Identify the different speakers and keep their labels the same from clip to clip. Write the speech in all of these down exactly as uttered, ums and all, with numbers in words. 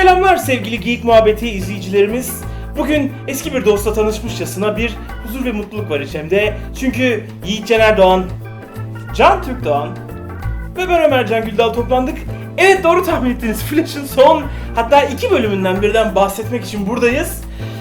Speaker 1: Selamlar sevgili Geek Muhabbeti izleyicilerimiz. Bugün eski bir dostla tanışmışçasına bir huzur ve mutluluk var içimde. Çünkü Yiğit Cener Doğan, Can Türk Doğan ve ben Ömer Can Güldal toplandık. Evet, doğru tahmin ettiniz. Flash'ın son, hatta iki bölümünden birden bahsetmek için buradayız.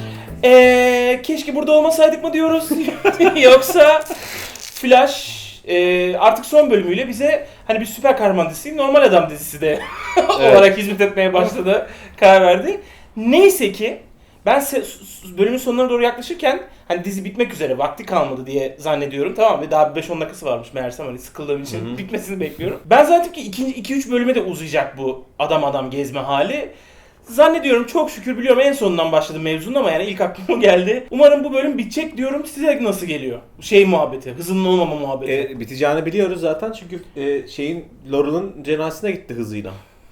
Speaker 1: Eee keşke burada olmasaydık mı diyoruz? Yoksa Flash e, artık son bölümüyle bize hani bir süper kahraman dizisi, normal adam dizisi de olarak hizmet etmeye başladı, karar verdi. Neyse ki ben se- bölümün sonlarına doğru yaklaşırken hani dizi bitmek üzere, vakti kalmadı diye zannediyorum, tamam mı? Daha beş on dakikası varmış meğersem, hani sıkıldığım için Hı-hı. bitmesini bekliyorum. Ben zannettim ki iki üç bölüme de uzayacak bu adam adam gezme hali. Zannediyorum, çok şükür biliyorum, en sonundan başladı mevzunun ama yani ilk aklıma geldi. Umarım bu bölüm bitecek diyorum. Size nasıl geliyor? Şey muhabbeti, hızının olmama muhabbeti.
Speaker 2: E, biteceğini biliyoruz zaten çünkü e, şeyin Laurel'ın cenazesine gitti hızıyla.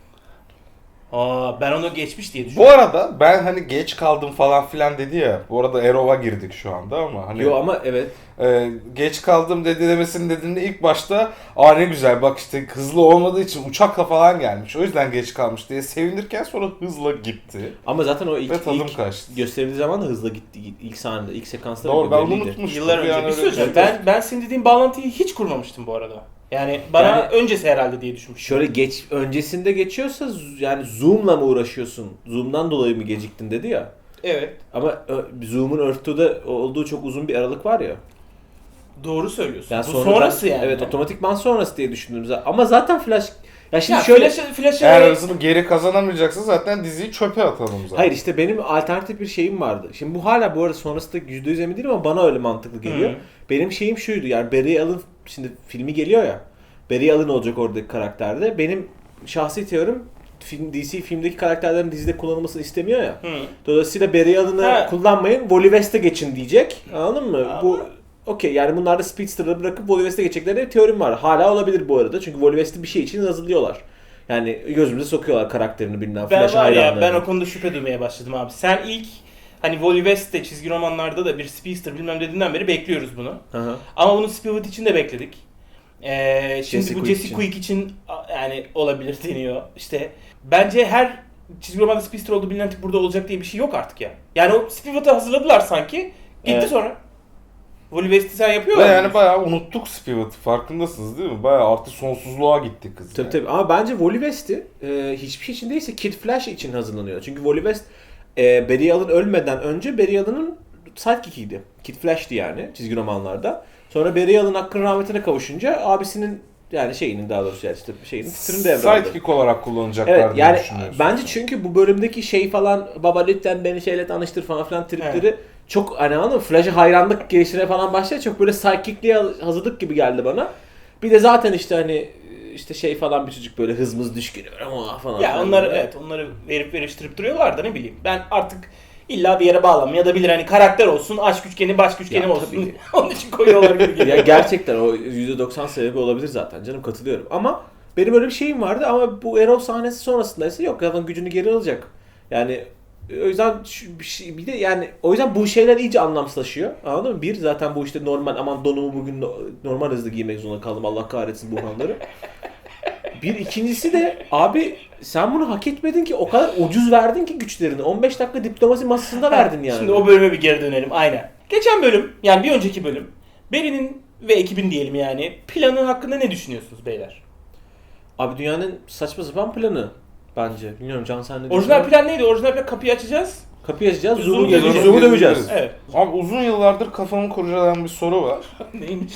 Speaker 1: Aa, ben onu geçmiş diye düşünüyorum.
Speaker 3: Bu arada ben hani geç kaldım falan filan dedi ya. Bu arada Arrow'a girdik şu anda ama hani.
Speaker 2: Yo ama evet.
Speaker 3: E, geç kaldım dedi demesinin dediğinde ilk başta aa ne güzel bak işte hızlı olmadığı için uçakla falan gelmiş. O yüzden geç kalmış diye sevinirken sonra hızla gitti.
Speaker 2: Ama zaten o ilk,
Speaker 3: Ve tadım
Speaker 2: ilk
Speaker 3: kaçtı.
Speaker 2: gösterildiği zaman da hızla gitti. İlk sahnede, ilk sekansta.
Speaker 3: Doğru, ben onu
Speaker 2: belliydi.
Speaker 3: unutmuştum.
Speaker 1: Yıllar önce.
Speaker 3: Yani
Speaker 1: Bir şey söyleyeceğim.
Speaker 3: öyle-
Speaker 1: Ben, ben senin dediğin bağlantıyı hiç kurmamıştım bu arada. Yani bana
Speaker 2: Yani-
Speaker 1: öncesi herhalde diye düşünmüştüm.
Speaker 2: Şöyle geç öncesinde geçiyorsa z- yani Zoom'la mı uğraşıyorsun? Zoom'dan dolayı mı geciktin dedi ya.
Speaker 1: Evet.
Speaker 2: Ama ö- Zoom'un Earth'te olduğu çok uzun bir aralık var ya.
Speaker 1: Doğru söylüyorsun.
Speaker 2: Yani
Speaker 1: Bu
Speaker 2: sonradan-
Speaker 1: sonrası yani.
Speaker 2: Evet, otomatikman sonrası diye düşündüm zaten. Ama zaten Flash ya şimdi
Speaker 1: Ya
Speaker 2: şöyle
Speaker 1: Flash'ı, Flash'ı
Speaker 3: Eğer hızını geri kazanamayacaksa zaten diziyi çöpe atalım zaten.
Speaker 2: Hayır, işte benim alternatif bir şeyim vardı. Şimdi bu hala bu arada sonrasında yüzde yüz emin değilim ama bana öyle mantıklı geliyor.
Speaker 1: Hı.
Speaker 2: Benim şeyim şuydu, yani Barry Allen, şimdi filmi geliyor ya. Barry Allen olacak oradaki karakterde. Benim şahsi teorim, film, D C filmdeki karakterlerin dizide kullanılmasını istemiyor ya.
Speaker 1: Hı.
Speaker 2: Dolayısıyla Barry Allen'ı
Speaker 1: Ha.
Speaker 2: kullanmayın, Wally West'e geçin diyecek. Anladın mı?
Speaker 1: Ama-
Speaker 2: Bu okey, yani bunlar da Speedster'ları bırakıp Wally West'e geçeceklerine bir teorim var. Hala olabilir bu arada. Çünkü Wally West'i bir şey için hazırlıyorlar. Yani gözümüze sokuyorlar karakterini bilmem.
Speaker 1: Ben
Speaker 2: Flash
Speaker 1: var ya,
Speaker 2: hayranlarını.
Speaker 1: ben o konuda şüphe duymaya başladım abi. Sen ilk hani Wally West'te çizgi romanlarda da bir speedster bilmem dediğinden beri bekliyoruz bunu.
Speaker 2: Hı hı.
Speaker 1: Ama bunu Spirit için de bekledik. Ee, şimdi
Speaker 2: Jesse
Speaker 1: bu
Speaker 2: Quick
Speaker 1: Jesse
Speaker 2: için.
Speaker 1: Quick için a- yani olabilir deniyor. İşte bence her çizgi romanda speedster olduğu bilinen tip burada olacak diye bir şey yok artık ya. Yani o Spirit'ı hazırladılar sanki. Gitti
Speaker 2: Evet.
Speaker 1: sonra. Wally West'i sen
Speaker 3: Ve
Speaker 1: yapıyorlar.
Speaker 3: yani bayağı unuttuk Spirit'i, farkındasınız değil mi? Bayağı artık sonsuzluğa gitti kız.
Speaker 2: Tabii
Speaker 3: yani.
Speaker 2: tabii, ama bence Wally West'i e, hiçbir şey için değilse Kid Flash için hazırlanıyor. Çünkü Wally West e, Barry Allen ölmeden önce Barry Allen'ın sidekick'iydi. Kid Flash'ti yani çizgi romanlarda. Sonra Barry Allen hakkın rahmetine kavuşunca abisinin, yani şeyinin daha doğrusu yani işte şeyinin titrini devraldı.
Speaker 3: Sidekick olarak kullanacaklar
Speaker 2: Evet,
Speaker 3: diye
Speaker 2: yani
Speaker 3: düşünüyorsun.
Speaker 2: bence çünkü bu bölümdeki şey falan, baba lütfen beni şeyle tanıştır falan filan tripleri
Speaker 1: Evet.
Speaker 2: çok hani, anladın mı? Flash'a hayranlık gelişine falan başladı. Çok böyle sidekick'liğe hazırlık gibi geldi bana. Bir de zaten işte hani işte şey falan bir çocuk, böyle hızımız düşkünü ama falan.
Speaker 1: Ya
Speaker 2: filan
Speaker 1: onları
Speaker 2: böyle.
Speaker 1: evet, onları verip veriştirip duruyorlar da ne bileyim. Ben artık illa bir yere bağlanmaya da bilir, hani karakter olsun, aşk üçgeni, başk üçgeni
Speaker 2: Ya,
Speaker 1: olsun.
Speaker 2: tabii ki.
Speaker 1: Onun için koyuyorlar gibi geliyor.
Speaker 2: Ya gerçekten o yüzde doksan sebebi olabilir zaten canım, katılıyorum. Ama benim öyle bir şeyim vardı ama bu Arrow sahnesi sonrasında ise yok, zaten gücünü geri alacak. Yani o yüzden şu bir, şey, bir de yani o yüzden bu şeyler iyice anlamsızlaşıyor. Anladın mı? Bir, zaten bu işte normal, aman donumu bugün no- normal hızlı giymek zorunda kaldım, Allah kahretsin bu hanları. Bir, ikincisi de abi sen bunu hak etmedin ki, o kadar ucuz verdin ki güçlerini. on beş dakika diplomasi masasında verdin yani.
Speaker 1: Şimdi o bölüme bir geri dönelim, aynen. Geçen bölüm, yani bir önceki bölüm, Barry'nin ve ekibin diyelim yani planı hakkında ne düşünüyorsunuz beyler?
Speaker 2: Abi dünyanın saçma sapan planı bence. Bilmiyorum Can, sen ne
Speaker 1: Orijinal
Speaker 2: düşünüyorsun?
Speaker 1: plan neydi? Orijinal plan, kapıyı açacağız.
Speaker 2: Kapıyı açacağız,
Speaker 1: Zoom'u
Speaker 2: Zoom'u
Speaker 1: döveceğiz.
Speaker 2: geleceğiz, Zoom'u döveceğiz.
Speaker 1: Evet.
Speaker 3: Abi uzun yıllardır kafamı kurcalayan bir soru var.
Speaker 1: Neymiş?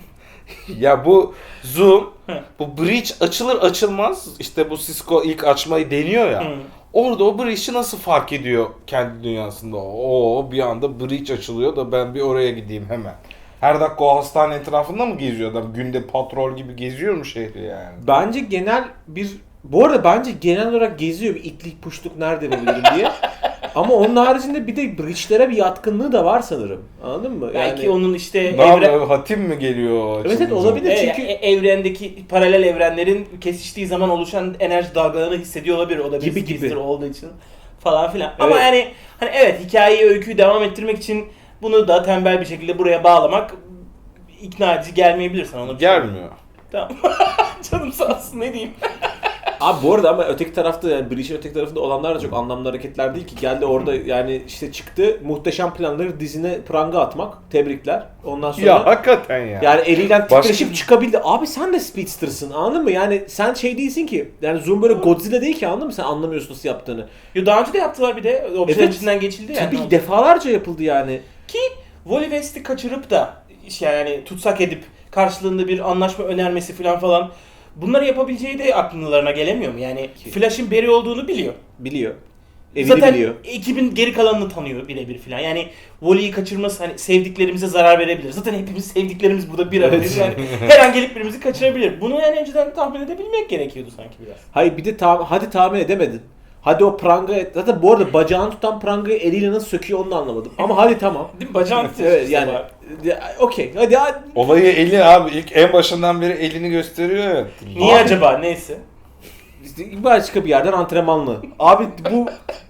Speaker 3: Ya bu Zoom,
Speaker 1: Hı.
Speaker 3: bu bridge açılır açılmaz işte bu Cisco ilk açmayı deniyor ya.
Speaker 1: Hı.
Speaker 3: Orada o bridge'i nasıl fark ediyor kendi dünyasında? Oo, bir anda bridge açılıyor da ben bir oraya gideyim hemen. Her dakika o hastane etrafında mı geziyor adam? Günde patrol gibi geziyor mu şehri yani?
Speaker 2: Bence genel bir... Bu arada bence genel olarak geziyor, bir itlik puşluk nerede bulabilirim diye. Ama onun haricinde bir de bridge'lere bir yatkınlığı da var sanırım. Anladın mı?
Speaker 1: Belki
Speaker 2: Yani...
Speaker 1: onun işte
Speaker 3: Ne
Speaker 1: evren...
Speaker 3: yapıyor? Hatim mi geliyor?
Speaker 2: Evet, evet,
Speaker 3: açılınca?
Speaker 2: olabilir.
Speaker 1: E,
Speaker 2: çünkü-
Speaker 1: e, evrendeki paralel evrenlerin kesiştiği zaman oluşan enerji dalgalarını hissediyor olabilir. O da bir
Speaker 2: Gibi
Speaker 1: speedster
Speaker 2: gibi.
Speaker 1: olduğu için falan filan. Ama
Speaker 2: Evet.
Speaker 1: yani hani evet, hikayeyi, öyküyü devam ettirmek için bunu da tembel bir şekilde buraya bağlamak ikna edici gelmeyebilir sana. Onu
Speaker 3: Gelmiyor.
Speaker 1: Tamam. Canım sağ olsun, ne diyeyim.
Speaker 2: Abi bu arada ama öteki tarafta yani Breach'in öteki tarafında olanlar da çok anlamlı hareketler değil ki. Geldi orada yani işte çıktı muhteşem planları dizine pranga atmak. Tebrikler. Ondan sonra
Speaker 3: Ya hakikaten ya.
Speaker 2: yani eliyle
Speaker 3: Başka-
Speaker 2: titreşip çıkabildi. Abi sen de Speedster'sın anladın mı? Yani sen şey değilsin ki. Yani Zoom böyle Godzilla değil ki anladın mı? Sen anlamıyorsun nasıl yaptığını.
Speaker 1: Yo, daha önce de yaptılar bir de. Opsiyon
Speaker 2: Evet.
Speaker 1: içinden geçildi yani.
Speaker 2: Tabii ki defalarca yapıldı yani.
Speaker 1: Ki Wally West'i kaçırıp da işte yani tutsak edip karşılığında bir anlaşma önermesi falan falan bunları yapabileceği de akllarına gelemiyor mu? Yani Flash'ın Barry olduğunu biliyor.
Speaker 2: Biliyor. Evini
Speaker 1: Zaten
Speaker 2: biliyor.
Speaker 1: ekibin geri kalanını tanıyor birebir falan. Yani Wally'yi kaçırması hani sevdiklerimize zarar verebilir. Zaten hepimiz sevdiklerimiz burada bir aradayız. Yani her an gelip birimizi kaçırabilir. Bunu yani önceden tahmin edebilmek gerekiyordu sanki biraz.
Speaker 2: Hayır bir de tam hadi tahmin edemedin. Hadi o pranga zaten bu arada bacağını tutan prangayı eliyle nasıl söküyor onu da anlamadım. Ama hadi tamam.
Speaker 1: Değil mi? Bacağın
Speaker 2: Evet yani ya, okey hadi, hadi.
Speaker 3: Olayı eli abi ilk en başından beri elini gösteriyor ya.
Speaker 1: Niye
Speaker 2: Abi-
Speaker 1: acaba? Neyse.
Speaker 2: İşte başka bir yerden antrenmanlı. Abi bu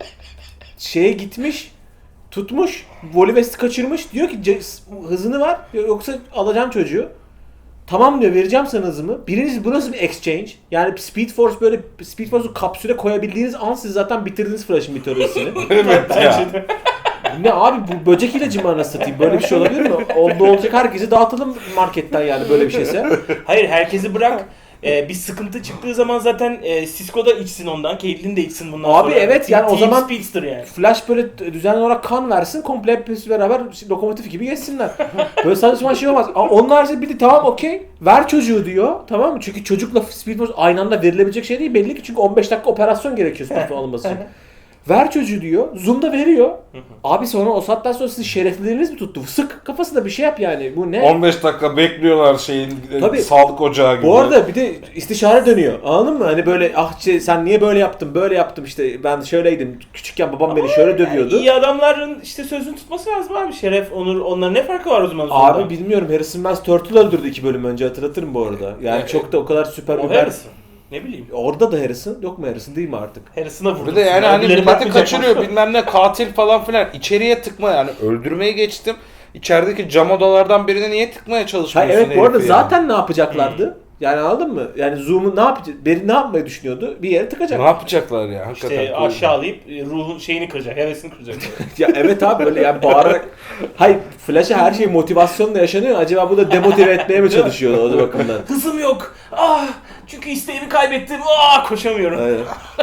Speaker 2: şeye gitmiş, tutmuş, Wally West'i kaçırmış. Diyor ki "Ce- hızını ver yoksa alacağım çocuğu. Tamam diyor vereceğim sana hızımı. Birincisi bu nasıl bir exchange? Yani Speed Force böyle Speed Force'u kapsüle koyabildiğiniz an siz zaten bitirdiniz Flash'ın bir teorisini.
Speaker 3: Evet ya.
Speaker 1: Bence de.
Speaker 2: Ne abi bu böcek ilacı mı anasını satayım? Böyle bir şey olabilir mi? Oldu olacak herkesi dağıtalım marketten yani böyle bir şeyse.
Speaker 1: Hayır herkesi bırak. Ee, bir sıkıntı çıktığı zaman zaten e, Cisco da içsin ondan, Caitlyn de içsin bundan
Speaker 2: Abi
Speaker 1: sonra.
Speaker 2: evet, yani o
Speaker 1: Team
Speaker 2: zaman-
Speaker 1: Speedster yani.
Speaker 2: Flash böyle düzenli olarak kan versin, komple hepsi beraber lokomotif gibi geçsinler. Böyle saçma sapan şey olmaz. Ama onun haricinde bir de tamam okey, ver çocuğu diyor. Tamam mı? Çünkü çocukla Speed Force aynı anda verilebilecek şey değil belli ki. Çünkü on beş dakika operasyon gerekiyor Speed Force alınması için. Ver çocuğu diyor. Zoom'da veriyor. Abi sonra o saatten sonra sizin şereflileriniz mi tuttu? Sık kafasında bir şey yap yani. Bu ne?
Speaker 3: on beş dakika bekliyorlar şeyin
Speaker 2: Tabii.
Speaker 3: sağlık ocağı gibi.
Speaker 2: Bu arada bir de istişare dönüyor. Anladın mı? Hani böyle ah şey, sen niye böyle yaptın? Böyle yaptım işte. Ben şöyleydim. Küçükken babam beni şöyle dövüyordu.
Speaker 1: Yani iyi adamların işte sözünü tutması lazım abi. Şeref, onur, onların ne farkı var o zaman?
Speaker 2: Abi
Speaker 1: Zoom'da?
Speaker 2: bilmiyorum. Harrison Wells Turtle öldürdü iki bölüm önce, hatırlatırım bu arada. Yani
Speaker 3: Evet.
Speaker 2: çok da o kadar süper
Speaker 1: O
Speaker 2: bir
Speaker 1: Harrison. Ne bileyim.
Speaker 2: Orada da Harrison. Yok mu Harrison değil mi artık?
Speaker 1: Harrison'a vurdu.
Speaker 3: Bir de yani hani
Speaker 1: Birileri
Speaker 3: milleti
Speaker 1: bakmayacak
Speaker 3: kaçırıyor
Speaker 1: mı?
Speaker 3: bilmem ne katil falan filan. İçeriye tıkma yani öldürmeyi geçtim. İçerideki cam odalardan birine niye tıkmaya
Speaker 2: Ha,
Speaker 3: çalışmıyorsun
Speaker 2: evet bu arada
Speaker 3: herifi yani?
Speaker 2: zaten ne yapacaklardı? Yani anladın mı? Yani Zoom'u ne yapacak? Beri ne yapmayı düşünüyordu? Bir yere tıkacak.
Speaker 3: Ne yapacaklar ya hakikaten.
Speaker 1: İşte aşağılayıp e, ruhun şeyini kıracak, hevesini kıracak.
Speaker 2: Ya evet abi böyle yani bağırarak. Hayır Flash'a her şey motivasyonla yaşanıyor. Acaba bu da demotive etmeye mi çalışıyordu o bakımdan?
Speaker 1: Hızım yok. Ah! Çünkü isteğimi kaybettim. Ah! Koşamıyorum.
Speaker 2: Aynen.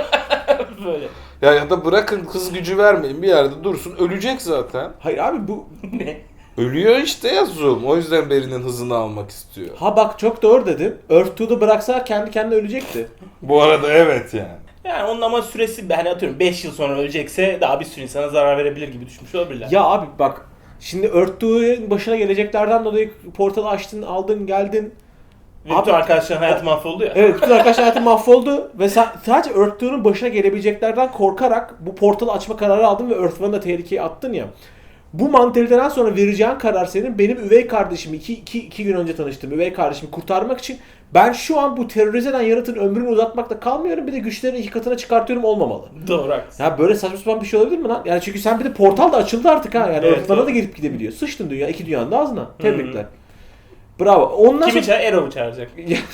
Speaker 1: Böyle.
Speaker 3: Ya, ya da bırakın hız gücü vermeyin bir yerde dursun ölecek zaten.
Speaker 2: Hayır abi bu
Speaker 1: Ne?
Speaker 3: Ölüyor işte ya Zoom. O yüzden Barry'nin hızını almak istiyor.
Speaker 2: ha bak çok doğru dedim. Earth two'da bıraksa kendi kendine ölecekti.
Speaker 3: Bu arada evet yani.
Speaker 1: Yani onun ama süresi ben atıyorum beş yıl sonra ölecekse daha bir sürü insana zarar verebilir gibi düşünmüş olabilirler.
Speaker 2: Ya abi bak şimdi Earth two'nun başına geleceklerden dolayı portalı açtın, aldın, geldin.
Speaker 1: Ve bütün
Speaker 2: Abi-
Speaker 1: arkadaşların hayatı mahvoldu ya.
Speaker 2: Evet bütün arkadaşlar hayatı mahvoldu ve sa- sadece Earth two'nun başına gelebileceklerden korkarak bu portalı açma kararı aldın ve Earth one'ı da tehlikeye attın ya. Bu mantaliteden sonra vereceğin karar senin benim üvey kardeşimi iki, iki, iki gün önce tanıştım üvey kardeşimi kurtarmak için ben şu an bu terörize eden yaratığın ömrünü uzatmakta kalmıyorum bir de güçlerini iki katına çıkartıyorum olmamalı.
Speaker 1: Doğru haklısın.
Speaker 2: Ya böyle saçma sapan bir şey olabilir mi lan? Yani çünkü sen bir de portal da açıldı artık ha. Yani
Speaker 1: Evet,
Speaker 2: Earth one'a da
Speaker 1: doğru.
Speaker 2: girip gidebiliyor. Sıçtın dünya iki dünyanın da ağzına. Tebrikler. Bravo. Ondan
Speaker 1: Kimi
Speaker 2: sonra...
Speaker 1: çağır? Arrow'u çağıracak.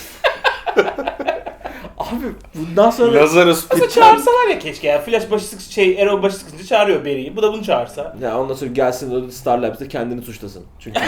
Speaker 2: Abi bundan sonra...
Speaker 3: Lazarus
Speaker 1: Aslında
Speaker 3: Pit'ten
Speaker 1: çağırsalar ya keşke ya. Flash başı sık şey, Arrow başı sıkınca çağırıyor Barry'i. Bu da bunu çağırsa.
Speaker 2: Ya ondan sonra gelsin o Star Labs'te kendini suçlasın. Çünkü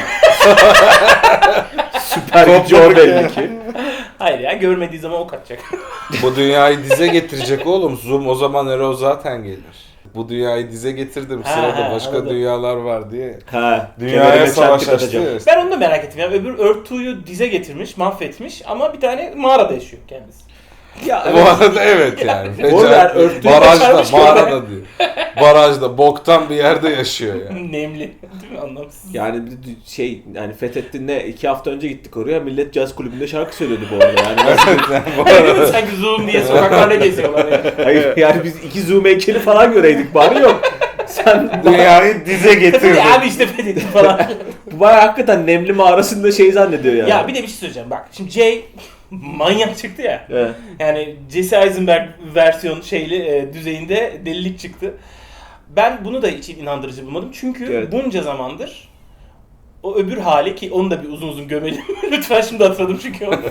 Speaker 2: süper gücü o belli ki.
Speaker 1: Hayır ya görmediği zaman ok atacak.
Speaker 3: bu dünyayı dize getirecek oğlum. Zoom o zaman Arrow zaten gelir. Bu dünyayı dize getirdim.
Speaker 1: Ha,
Speaker 3: Sırada
Speaker 1: ha,
Speaker 3: başka
Speaker 1: anladım.
Speaker 3: dünyalar var diye.
Speaker 2: Ha,
Speaker 3: Dünyaya
Speaker 2: kemerime
Speaker 3: savaş
Speaker 2: çentik
Speaker 3: açtı.
Speaker 2: atacağım.
Speaker 3: ya.
Speaker 1: Ben onu da merak ettim ya. Öbür Earth two'yu dize getirmiş, mahvetmiş ama bir tane mağarada yaşıyor kendisi.
Speaker 2: Ya
Speaker 3: Bu
Speaker 2: evet.
Speaker 3: arada evet yani.
Speaker 2: Bu arada
Speaker 3: Fecaat-
Speaker 2: örtüyü
Speaker 3: barajda,
Speaker 1: başarmış
Speaker 3: mağarada diyor. Barajda, boktan bir yerde yaşıyor yani.
Speaker 1: Nemli. Değil mi? Anlamsız.
Speaker 2: Yani bir de şey yani fethettin ne iki hafta önce gittik oraya millet caz kulübünde şarkı söylüyordu bu arada yani. Nasıl-
Speaker 3: Bu arada
Speaker 1: Sanki Zoom diye sokaklarda geziyorlar ya.
Speaker 2: Hayır yani biz iki zoom heykeli falan göreydik bari yok. Sen
Speaker 3: dünyayı dize getirdi.
Speaker 1: Ya abi işte fethettim falan.
Speaker 2: bu bayağı hakikaten nemli mağarasında şey zannediyor yani.
Speaker 1: Ya bir de bir şey söyleyeceğim bak. Şimdi Jay manyak çıktı ya.
Speaker 2: Evet.
Speaker 1: Yani Jesse Eisenberg versiyon şeyli e, düzeyinde delilik çıktı. Ben bunu da hiç inandırıcı bulmadım. Çünkü
Speaker 2: Evet.
Speaker 1: bunca zamandır o öbür hali ki onu da bir uzun uzun gömelim. Lütfen şimdi hatırladım çünkü onu.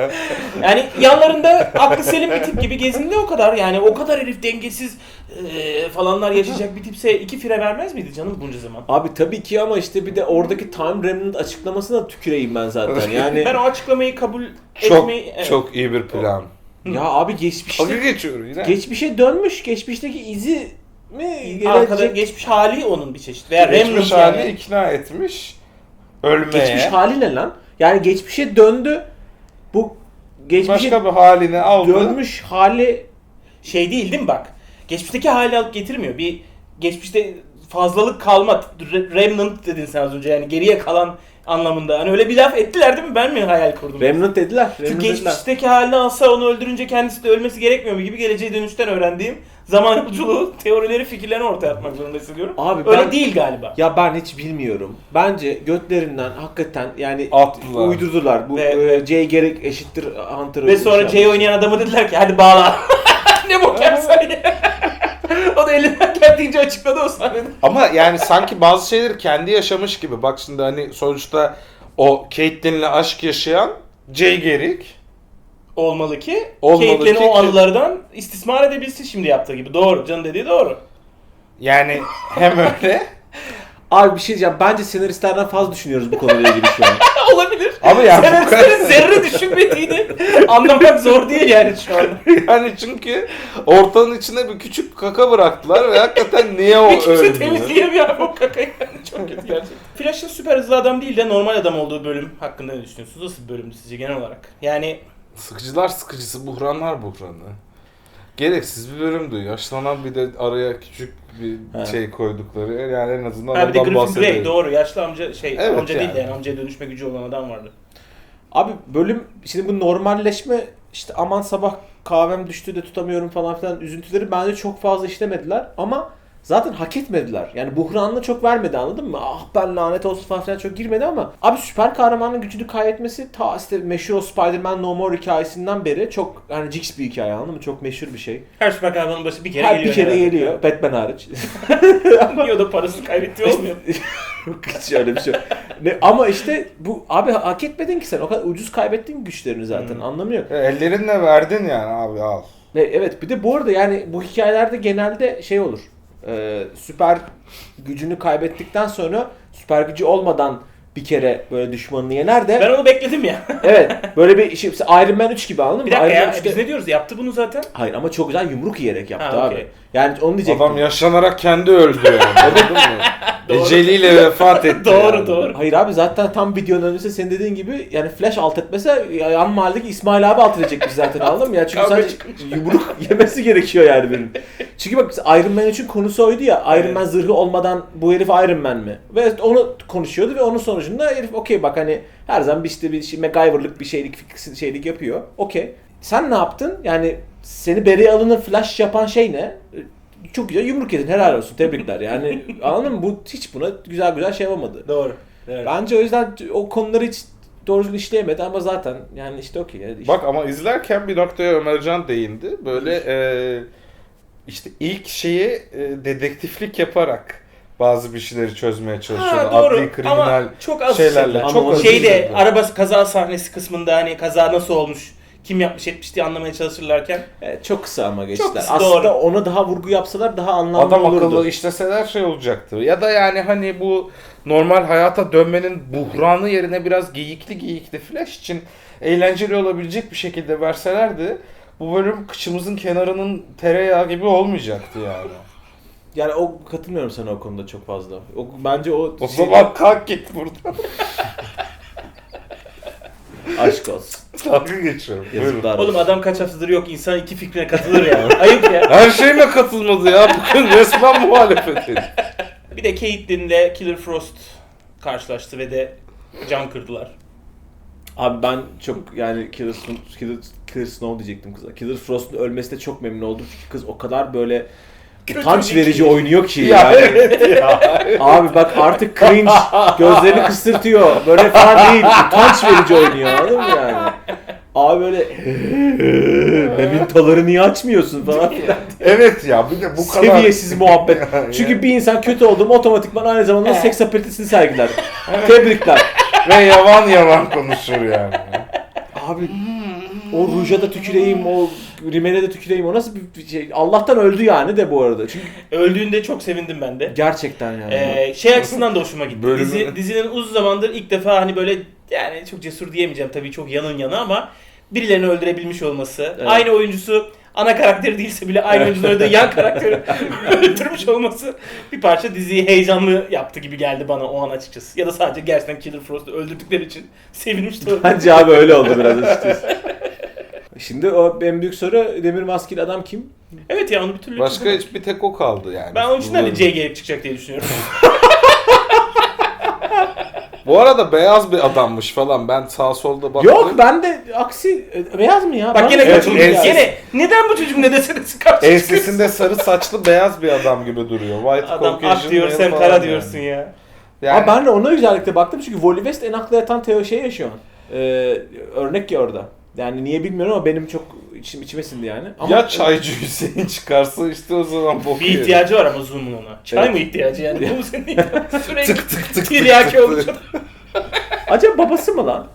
Speaker 1: Yani yanlarında aklı selim bir tip gibi gezindi o kadar. Yani o kadar herif dengesiz e, falanlar yaşayacak bir tipse iki fire vermez miydi canım bunca zaman?
Speaker 2: Abi tabii ki ama işte bir de oradaki Time Remnant açıklamasına tüküreyim ben zaten. Yani
Speaker 1: Ben o açıklamayı kabul
Speaker 3: Çok
Speaker 1: etmeyi... evet.
Speaker 3: çok iyi bir plan.
Speaker 2: ya abi geçmişte
Speaker 3: Dalga geçiyorum yine.
Speaker 2: geçmişe dönmüş. Geçmişteki izi mi
Speaker 1: Arkada
Speaker 2: gelecek?
Speaker 1: geçmiş hali onun bir çeşit. Veya
Speaker 3: Geçmiş
Speaker 1: Remnant
Speaker 3: hali
Speaker 1: yani.
Speaker 3: ikna etmiş. Ölmeye.
Speaker 2: Geçmiş hali ne lan? Yani geçmişe döndü. Bu geçmişe
Speaker 3: Başka bir halini aldı.
Speaker 2: dönmüş hali
Speaker 1: Şey değil değil mi bak? Geçmişteki hali alıp getirmiyor. Bir geçmişte fazlalık kalma. Re- Remnant dedin sen az önce yani geriye kalan anlamında. Hani öyle bir laf ettiler değil mi? Ben mi hayal kurdum?
Speaker 2: Remnant dediler.
Speaker 1: Çünkü
Speaker 2: Remnant dediler.
Speaker 1: geçmişteki halini alsa onu öldürünce kendisi de ölmesi gerekmiyor mu gibi geleceğe dönüşten öğrendiğim zaman yolculuğu teorileri fikirlerini ortaya atmak zorunda hissediyorum.
Speaker 2: Abi
Speaker 1: Öyle
Speaker 2: ben-
Speaker 1: değil galiba.
Speaker 2: Ya ben hiç bilmiyorum. Bence götlerinden hakikaten yani
Speaker 3: Attılar.
Speaker 2: uydurdular. Bu
Speaker 1: Ve-
Speaker 2: e, Jay Garrick eşittir Hunter'ı.
Speaker 1: Ve sonra Jay oynayan adamı dediler ki hadi bağla. Ne bok yapsan ya. O da elinden geldiğince açıkladı o sahnede.
Speaker 3: Ama yani sanki bazı şeyleri kendi yaşamış gibi. Bak şimdi hani sonuçta o Caitlyn'le aşk yaşayan Jay Garrick.
Speaker 1: Olmalı ki
Speaker 3: Olmalı
Speaker 1: Caitlyn'i
Speaker 3: ki-
Speaker 1: o anılardan istismar edebilsin şimdi yaptığı gibi. Doğru. Can'ın dediği doğru.
Speaker 3: Yani hem öyle.
Speaker 2: Abi bir şey diyeceğim. Bence senaristlerden fazla düşünüyoruz bu konuyla ilgili şu an.
Speaker 1: Olabilir.
Speaker 3: Ama yani bu kadar-
Speaker 1: Senaristlerin zerre düşünmediğini anlamak zor değil yani şu an.
Speaker 3: Yani çünkü ortanın içine bir küçük kaka bıraktılar ve hakikaten niye o
Speaker 1: Hiç kimse
Speaker 3: öldü?
Speaker 1: temizleyemiyor abi o kakayı. Çok kötü gerçekten. Flash'ın süper hızlı adam değil de normal adam olduğu bölüm hakkında ne düşünüyorsunuz? Nasıl bir bölümdü sizce genel olarak? Yani
Speaker 3: Sıkıcılar sıkıcısı, buhranlar buhranı. Gereksiz bir bölümdü. Yaşlanan bir de araya küçük bir
Speaker 2: He.
Speaker 3: şey koydukları. Yani en azından
Speaker 1: ha bir de
Speaker 3: ondan
Speaker 1: Griffin Grey
Speaker 3: bahsedelim.
Speaker 1: doğru. Yaşlı amca şey
Speaker 3: Evet
Speaker 1: amca değil de
Speaker 3: yani.
Speaker 1: yani amcaya dönüşme gücü olan adam vardı.
Speaker 2: Abi bölüm şimdi bu normalleşme işte aman sabah kahvem düştü de tutamıyorum falan filan üzüntüleri bence çok fazla işlemediler ama zaten hak etmediler. Yani buhranını çok vermedi anladın mı? Ah ben lanet olsun falan filan çok girmedi ama abi süper kahramanın gücünü kaybetmesi ta işte meşhur o Spider-Man No More hikayesinden beri çok hani Jigs bir hikaye anladın mı? Çok meşhur bir şey.
Speaker 1: Her süper kahramanın başı bir kere
Speaker 2: Her
Speaker 1: geliyor.
Speaker 2: bir kere
Speaker 1: herhalde.
Speaker 2: geliyor. Batman hariç.
Speaker 1: Niye o da parasını kaybettiği olmuyor?
Speaker 2: Hiç öyle bir şey. yok. Ne, ama işte bu abi hak etmedin ki sen. O kadar ucuz kaybettin güçlerini zaten.
Speaker 1: Hmm.
Speaker 2: Anlamı yok.
Speaker 3: E, Ellerinle verdin yani abi al.
Speaker 2: Ve evet bir de bu arada yani bu hikayelerde genelde şey olur. Ee, süper gücünü kaybettikten sonra süper gücü olmadan bir kere böyle düşmanını yener de
Speaker 1: Ben onu bekledim ya.
Speaker 2: evet böyle bir şey Iron Man üç gibi anladın mı?
Speaker 1: Bir dakika
Speaker 2: Iron Man
Speaker 1: ya
Speaker 2: üçte
Speaker 1: biz ne diyoruz? Yaptı bunu zaten.
Speaker 2: Hayır ama çok güzel yumruk yiyerek yaptı
Speaker 1: Ha,
Speaker 2: abi.
Speaker 1: okey.
Speaker 2: Yani onu diyecektim.
Speaker 3: Adam yaşlanarak kendi öldü yani. Anladın mı?
Speaker 1: Doğru.
Speaker 3: Eceliyle vefat etti.
Speaker 1: Doğru,
Speaker 3: yani.
Speaker 1: doğru.
Speaker 2: Hayır abi zaten tam videonun öncesi senin dediğin gibi yani Flash alt etmese yan mahalledeki İsmail abi alt edecekmiş zaten anladın mı? Ya çünkü
Speaker 1: Kavga
Speaker 2: sadece
Speaker 1: çıkmış.
Speaker 2: yumruk yemesi gerekiyor yani benim. Çünkü bak Iron Man üçün konusu oydu ya Iron
Speaker 1: Evet.
Speaker 2: Man zırhı olmadan bu herif Iron Man mi? Ve onu konuşuyordu ve onun sonucunda herif okey bak hani her zaman bir işte bir şey MacGyver'lık bir şeylik fikri- şeylik yapıyor. Okey. Sen ne yaptın? Yani seni Barry Allen'ın Flash yapan şey ne? Çok güzel yumruk yedin helal olsun tebrikler yani anladın mı? Bu hiç buna güzel güzel şey yapamadı.
Speaker 1: Doğru. Evet.
Speaker 2: Bence o yüzden o konuları hiç doğru düzgün işleyemedi ama zaten yani işte okey. Yani işte-
Speaker 3: Bak ama izlerken bir noktaya Ömercan değindi. Böyle e, işte ilk şeyi e, dedektiflik yaparak bazı bir şeyleri çözmeye çalışıyordu.
Speaker 1: Ha, doğru.
Speaker 3: Adli kriminal
Speaker 1: Ama çok az
Speaker 3: şeylerle.
Speaker 1: şeyler.
Speaker 3: Çok az
Speaker 1: Şeyde
Speaker 3: şeylerle.
Speaker 1: araba kaza sahnesi kısmında hani kaza nasıl olmuş, kim yapmış etmiş diye anlamaya çalışırlarken
Speaker 2: Evet, çok kısa ama geçtiler.
Speaker 1: kısa,
Speaker 2: Aslında
Speaker 1: doğru.
Speaker 2: ona daha vurgu yapsalar daha anlamlı
Speaker 3: Adam
Speaker 2: olurdu.
Speaker 3: akıllı işleseler şey olacaktı. Ya da yani hani bu normal hayata dönmenin buhranı yerine biraz geyikli geyikli Flash için eğlenceli olabilecek bir şekilde verselerdi bu bölüm kıçımızın kenarının tereyağı gibi olmayacaktı yani.
Speaker 2: Yani o katılmıyorum sana o konuda çok fazla. O, bence o
Speaker 3: O
Speaker 2: şey-
Speaker 3: zaman kalk git buradan.
Speaker 2: aşk olsun.
Speaker 3: Dalga geçiyorum. Buyurun.
Speaker 2: Yazıklar
Speaker 1: oğlum
Speaker 2: olsun.
Speaker 1: adam kaç haftadır yok insan iki fikrine katılır ya. Ayıp ya.
Speaker 3: Her şeyime katılmadı ya. Bugün resmen muhalefet edin.
Speaker 1: Bir de Caitlyn'le Killer Frost karşılaştı ve de can kırdılar.
Speaker 2: Abi ben çok yani Killer, Snow- Killer, Killer Snow diyecektim kıza. Killer Frost'un ölmesine çok memnun oldum çünkü kız o kadar böyle utanç verici oynuyor ki
Speaker 3: Ya
Speaker 2: yani.
Speaker 3: evet ya.
Speaker 2: Abi bak artık cringe, gözlerini kısırtıyor. Böyle falan değil. Utanç verici oynuyor anladın mı yani? Abi böyle memintoları niye açmıyorsun falan filan.
Speaker 3: Evet ya bir de bu kadar...
Speaker 2: Seviyesiz muhabbet. Çünkü bir insan kötü oldu mu otomatikman aynı zamanda seks apetitini sergiler. Tebrikler.
Speaker 3: Ve yavan yavan konuşur yani.
Speaker 2: Abi o ruja da tüküreyim, o rimele de tüküreyim, o nasıl bir şey? Allah'tan öldü yani de bu arada. Çünkü
Speaker 1: Öldüğünde çok sevindim ben de.
Speaker 2: gerçekten yani.
Speaker 1: Ee, şey açısından da hoşuma gitti.
Speaker 3: Bölümü-
Speaker 1: Dizi, dizinin uzun zamandır ilk defa hani böyle yani çok cesur diyemeyeceğim tabii, çok yanın yana ama birilerini öldürebilmiş olması.
Speaker 2: Evet.
Speaker 1: Aynı oyuncusu ana karakteri değilse bile aynı oyuncuları da yan karakteri öldürmüş olması bir parça diziyi heyecanlı yaptı gibi geldi bana o an açıkçası. Ya da sadece gerçekten Killer Frost'u öldürdükleri için sevinmiş de olabilir.
Speaker 2: Bence abi öyle oldu biraz açıkçası. Şimdi o en büyük soru, demir maskeli adam kim?
Speaker 1: Evet ya, onu bir türlü
Speaker 3: Başka
Speaker 1: çözemedim.
Speaker 3: hiç bir tek o kaldı yani.
Speaker 1: Ben onun için
Speaker 3: Bu-
Speaker 1: hani C gelip çıkacak diye düşünüyorum.
Speaker 3: Bu arada beyaz bir adammış falan. Ben sağ solda baktım.
Speaker 2: Yok, ben de aksi e, beyaz mı ya?
Speaker 1: Bak
Speaker 2: Bana
Speaker 1: gene
Speaker 2: evet,
Speaker 1: katıldım.
Speaker 3: evet.
Speaker 1: Gene neden bu çocuk ne deseniz karşı çıkıyorsun?
Speaker 3: Ensesinde sarı saçlı beyaz bir adam gibi duruyor. White
Speaker 1: Adam
Speaker 3: Caucasian
Speaker 1: ak diyor,
Speaker 3: male
Speaker 1: sen
Speaker 3: falan
Speaker 1: kara
Speaker 3: yani.
Speaker 1: diyorsun ya.
Speaker 3: Yani,
Speaker 2: Abi ben de ona özellikle baktım çünkü Wally West en akla yatan teo şey yaşıyor. Ee, örnek ya orada. Yani niye bilmiyorum ama benim çok içim içime sindi yani. Ama
Speaker 3: ya çaycı Hüseyin çıkarsa işte o zaman bok
Speaker 1: Bir
Speaker 3: yerim.
Speaker 1: ihtiyacı var ama Zoom'un ona. Çay
Speaker 2: Evet.
Speaker 1: mı ihtiyacı yani? Bu senin ihtiyacın. Sürekli
Speaker 3: Tık tık tık
Speaker 1: tiryaki
Speaker 3: tık
Speaker 1: olmuş.
Speaker 3: tık.
Speaker 2: acaba babası mı lan?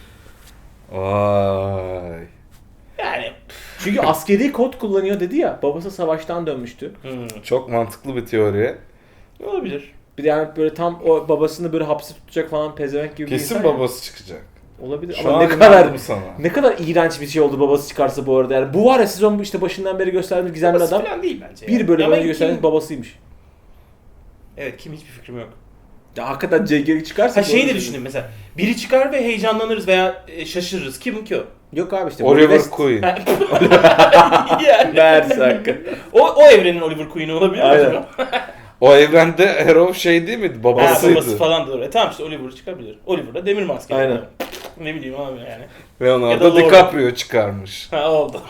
Speaker 3: Vay.
Speaker 1: Yani.
Speaker 2: Çünkü askeri kod kullanıyor dedi ya. Babası savaştan dönmüştü.
Speaker 1: Hmm.
Speaker 3: Çok mantıklı bir teori.
Speaker 1: Olabilir.
Speaker 2: Bir de yani böyle tam o babasını böyle hapse tutacak falan pezevenk gibi bir
Speaker 3: Kesin
Speaker 2: insan ya.
Speaker 3: babası çıkacak.
Speaker 2: Olabilir
Speaker 3: Şu
Speaker 2: ama
Speaker 3: an
Speaker 2: ne kadar
Speaker 3: inandım sana.
Speaker 2: ne kadar iğrenç bir şey oldu babası çıkarsa bu arada. Yani bu var ya, sezon bu işte başından beri gösterdiğimiz gizemli
Speaker 1: Babası
Speaker 2: adam.
Speaker 1: falan değil bence.
Speaker 2: Bir bölüm
Speaker 1: Ama
Speaker 2: önce
Speaker 1: kim-
Speaker 2: gösterdiğimiz babasıymış.
Speaker 1: Evet, kim, hiçbir fikrim yok.
Speaker 2: Ya hakikaten C G çıkarsa...
Speaker 1: Ha şeyi de
Speaker 2: doğru
Speaker 1: düşünün mesela. Biri çıkar ve heyecanlanırız veya e, şaşırırız. Kim ki o?
Speaker 2: Yok abi işte.
Speaker 3: Oliver
Speaker 2: West-
Speaker 3: Queen.
Speaker 1: yani.
Speaker 2: Meğerse hakikaten.
Speaker 1: O, o evrenin Oliver Queen'i olabilir mi
Speaker 2: Aynen.
Speaker 1: acaba?
Speaker 3: O evrende Arrow şey değil miydi?
Speaker 1: Ha,
Speaker 3: Babasıydı.
Speaker 1: babası falan da doğru. E, tamam işte Oliver çıkabilir. Oliver da demir maskeli.
Speaker 2: Aynen.
Speaker 1: Ne bileyim abi yani. Ya da
Speaker 3: Leonardo
Speaker 1: Lord.
Speaker 3: DiCaprio çıkarmış.
Speaker 1: Ha, oldu.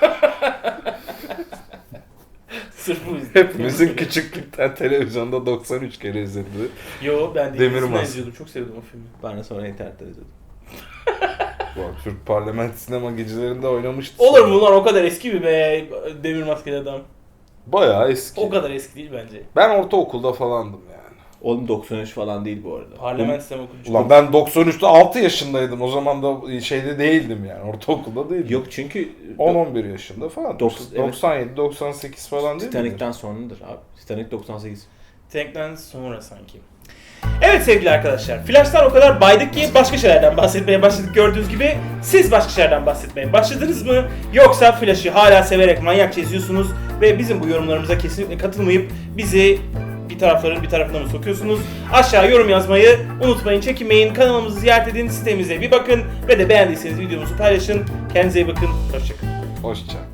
Speaker 1: Sırf bu yüzden.
Speaker 3: Hepimizin küçüklükten televizyonda doksan üç kere izlediği.
Speaker 1: Yo, ben de
Speaker 3: Demir
Speaker 1: ikisinden
Speaker 3: Maske.
Speaker 1: izliyordum. Çok sevdim o filmi.
Speaker 2: Ben de sonra internetten izledim.
Speaker 3: Bu Türk Parlamento sinema gecelerinde oynamıştı.
Speaker 1: Olur
Speaker 3: sonra.
Speaker 1: mu lan, o kadar eski mi be demir maskeli adam?
Speaker 3: Bayağı eski.
Speaker 1: O kadar eski değil bence.
Speaker 3: Ben ortaokulda falandım yani.
Speaker 2: Oğlum doksan üç falan değil bu arada.
Speaker 1: Parlament sistemi okuyucu.
Speaker 3: Ulan ben doksan üçte altı yaşındaydım. O zaman da şeyde değildim yani. Ortaokulda değildim.
Speaker 2: Yok çünkü
Speaker 3: on on bir yaşında falan.
Speaker 2: Dokuz- evet.
Speaker 3: doksan yedi doksan sekiz falan değil mi?
Speaker 2: Titanic'ten sonradır abi. Titanic doksan sekiz.
Speaker 1: Tank'ten sonra sanki. Evet sevgili arkadaşlar, Flash'tan o kadar baydık ki başka şeylerden bahsetmeye başladık gördüğünüz gibi. Siz başka şeylerden bahsetmeye başladınız mı? Yoksa Flash'ı hala severek manyakça izliyorsunuz ve bizim bu yorumlarımıza kesinlikle katılmayıp bizi bir tarafların bir tarafına mı sokuyorsunuz? Aşağı yorum yazmayı unutmayın, çekinmeyin. Kanalımızı ziyaret edin, sitemize bir bakın ve de beğendiyseniz videomuzu paylaşın. Kendinize iyi bakın, hoşçakalın.
Speaker 3: Hoşça.